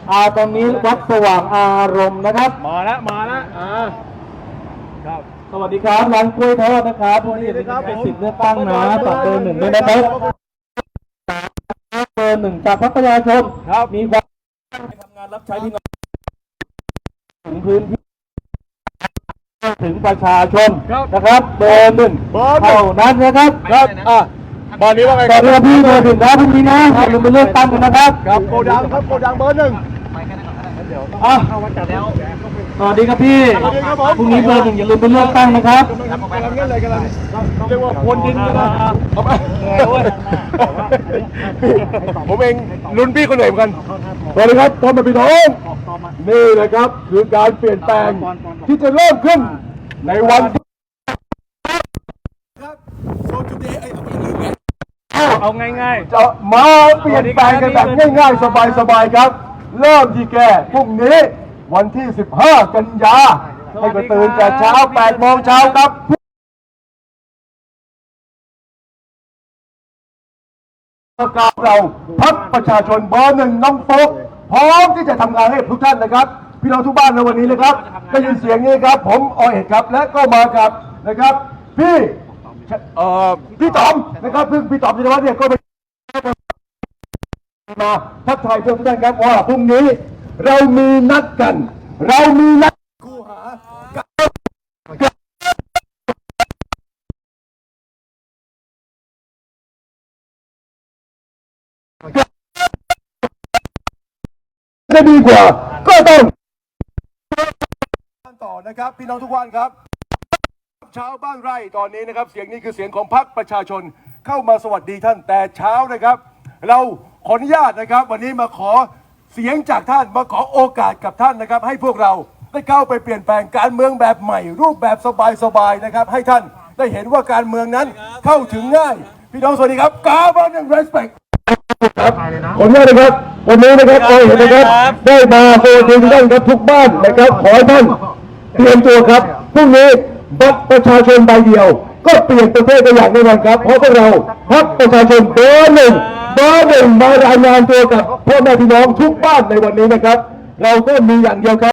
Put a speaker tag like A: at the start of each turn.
A: ตอนนี้วัดสว่างอารมณ์นะครับ
B: มาแล้วครับ
A: สวัสดีครับร้านกล้วยทอดนะครับวันนี้เป็นสิทธิ์เลือกตั้งนะฝากเบอร์ 1ด้วยนะครับเบอร์ 1จากพรรคประชาชนมีความทำงานรับใช้พี่น้องถึงพื้นที่ถึงประชาชนนะครับเบอร์ 1เท่านั้นนะครับ
B: บอลนี้ว่าไง
A: ตอนนี้พี่เบอร์ 1นะพรุ่งนี้นะอย่าลืมไปเลือกตั้งกันนะครับ
B: โกดังครับโกดังเบอร์ 1
A: สวัสดีครับพี่พรุ่งนี้เบอร์ 1อย่าลืมไปเลือกตั้งนะครับ
B: กำลังเรียกว่าพรวนดินกันนะผมเองรุ่นพี่คนไหนเหมือนกันสวัสดีครับพ่อแม่พี่น้องนี่เลยครับคือการเปลี่ยนแปลงที่จะเริ่มขึ้นในวันเอาง่ายๆจะมาเปลี่ยนแปลงกันแบบง่ายๆสบายๆครับเริ่มที่แกพรุ่งนี้วันที่15กันยาให้ก็ตื่นแต่เช้า8 โมงเช้าครับเราพรรคประชาชนเบอร์ 1น้องโฟกพร้อมที่จะทำงานให้ทุกท่านนะครับพี่น้องทุกบ้านในวันนี้นะครับได้ยินเสียงนี้ครับผมอเอกครับและก็มากับนะครับพี่ต๋อมนะครับซึ่งพี่ต๋อมจิรวัฒน์เนี่ยก็ไปมาทักทายเพื่อนทุกท่านครับว่าพรุ่งนี้เรามีนัดกันคู่หาจะดีกว่าก็ต้องต่อนะครับพี่น้องทุกท่านครับชาวบ้านไร่ตอนนี้นะครับเสียงนี้คือเสียงของพรรคประชาชนเข้ามาสวัสดีท่านแต่เช้านะครับเราขออนุญาตนะครับวันนี้มาขอเสียงจากท่านมาขอโอกาสกับท่านนะครับให้พวกเราได้เข้าไปเปลี่ยนแปลงการเมืองแบบใหม่รูปแบบสบายๆนะครับให้ท่านได้เห็นว่าการเมืองนั้นเข้าถึงง่ายพี่น้องสวัสดีครับกาบอนเรสเปคครับผมนะครับวันนี้นะครับเห็นนะครับได้มาโฮถึงท่านครับทุกบ้านนะครับขอให้ท่านเตรียมตัวครับพรุ่งนี้บัตรประชาชนใบเดียวก็เปลี่ยนประเทศได้อย่างแน่นอนครับเพราะพวกเราพรรคประชาชนเบอร์ 1มารายงานตัวกับพ่อแม่พี่น้องทุกบ้านในวันนี้นะครับเราก็มีอย่างเดียวครับ